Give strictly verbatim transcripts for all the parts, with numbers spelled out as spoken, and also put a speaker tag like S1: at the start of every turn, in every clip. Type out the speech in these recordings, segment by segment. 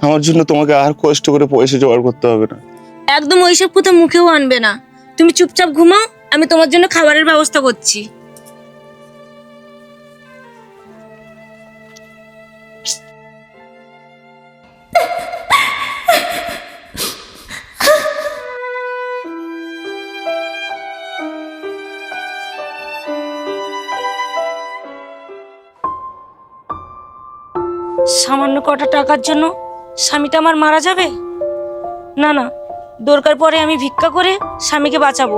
S1: আমার জন্য তোমাকে আর কষ্ট করে পয়সা জোগাড় করতে হবে না।
S2: একদম ওইসব কথা মুখেও আনবে না। তুমি চুপচাপ ঘুমাও, আমি তোমার জন্য খাবারের ব্যবস্থা করছি। সামান্য কটা টাকার জন্য স্বামীটা আমার মারা যাবে? না না, দরকার পরে আমি ভিক্ষা করে স্বামীকে বাঁচাবো।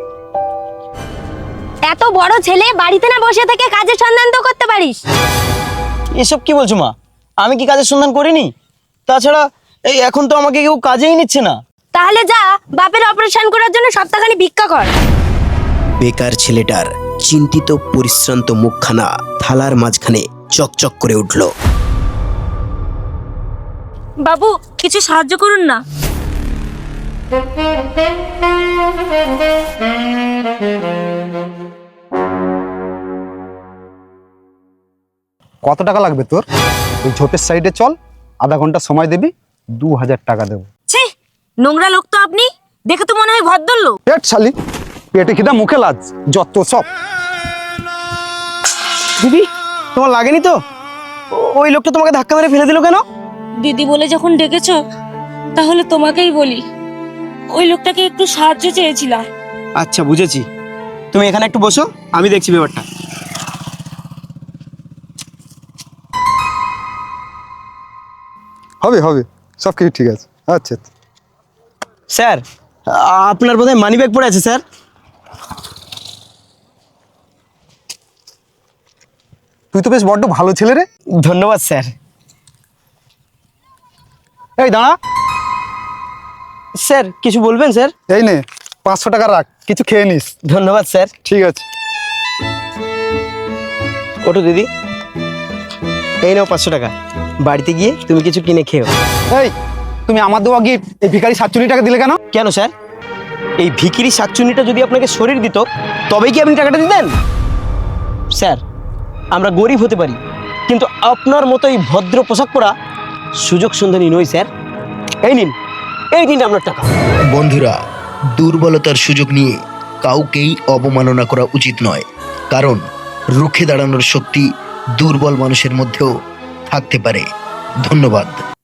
S3: এত বড় ছেলে বাড়িতে না বসে থেকে কাজের সন্ধান তো করতে পারিস।
S4: এসব কি বলছো মা? আমি কি কাজের সন্ধান করিনি? তাছাড়া এই এখন তো আমাকে কেউ কাজেই নিচ্ছে না।
S3: তাহলে যা বাপের অপারেশন করার জন্য সপ্তাহখানি ভিক্ষা কর।
S5: বেকার ছেলেটার চিন্তিত পরিশ্রান্ত মুখখানা থালার মাঝখানে চকচক করে উঠল।
S2: বাবু, কিছু সাহায্য করুন না।
S6: কত টাকা লাগবে তোর? ওই ঝোপের সাইডে চল, আধা ঘন্টা সময় দিবি, দু হাজার টাকা দেবো।
S2: ছি, নোংরা লোক তো আপনি। দেখে তো মনে হয় ভদ্রলোক।
S6: পেট শালি, পেটে খিদা মুখে লাজ, যত সব।
S4: দিদি, তোমার লাগেনি তো? ও- ওই লোকটা তোমাকে ধাক্কা মেরে ফেলে দিল কেন?
S2: দিদি বলে যখন ডেকেছো, তাহলে তোমাকেই বলি। ওই লোকটাকে একটু সাহায্য চেয়েছিলাম।
S4: আচ্ছা, বুঝেছি। তুমি এখানে একটু বসো, আমি দেখছি ব্যাপারটা।
S6: হবে হবে, সব কিছু ঠিক আছে। আচ্ছা
S4: স্যার, আ- আপনার বোধহয় মানি ব্যাগ পড়ে আছে স্যার।
S6: তুই তো বেশ বড্ড ভালো ছেলে রে।
S4: ধন্যবাদ স্যার।
S6: এই দাঁড়া,
S4: স্যার কিছু বলবেন স্যার?
S6: এই নে পাঁচশো টাকা রাখ, কিছু খেয়ে নিস।
S4: ধন্যবাদ স্যার।
S6: ঠিক আছে।
S4: ওঠো দিদি, এই নাও পাঁচশো টাকা। বাড়িতে গিয়ে তুমি কিছু কিনে খেও।
S6: এই, তুমি আমার দেওয়া গিফট এই ভিখারি সাতচল্লিশ টাকা দিলে কেন?
S4: কেন স্যার? এই ভিখিরি শাকচুন্নিটা যদি আপনাকে শরীর দিত, তবেই কি আপনি টাকাটা দিতেন? স্যার, আমরা গরিব হতে পারি, কিন্তু আপনার মতো এই ভদ্র পোশাক পরা সুযোগ সন্ধানী নই স্যার। এই নিন, এই নিন আপনার টাকা।
S5: বন্ধুরা, দুর্বলতার সুযোগ নিয়ে কাউকেই অবমাননা করা উচিত নয়, কারণ রুখে দাঁড়ানোর শক্তি দুর্বল মানুষের মধ্যেও থাকতে পারে। ধন্যবাদ।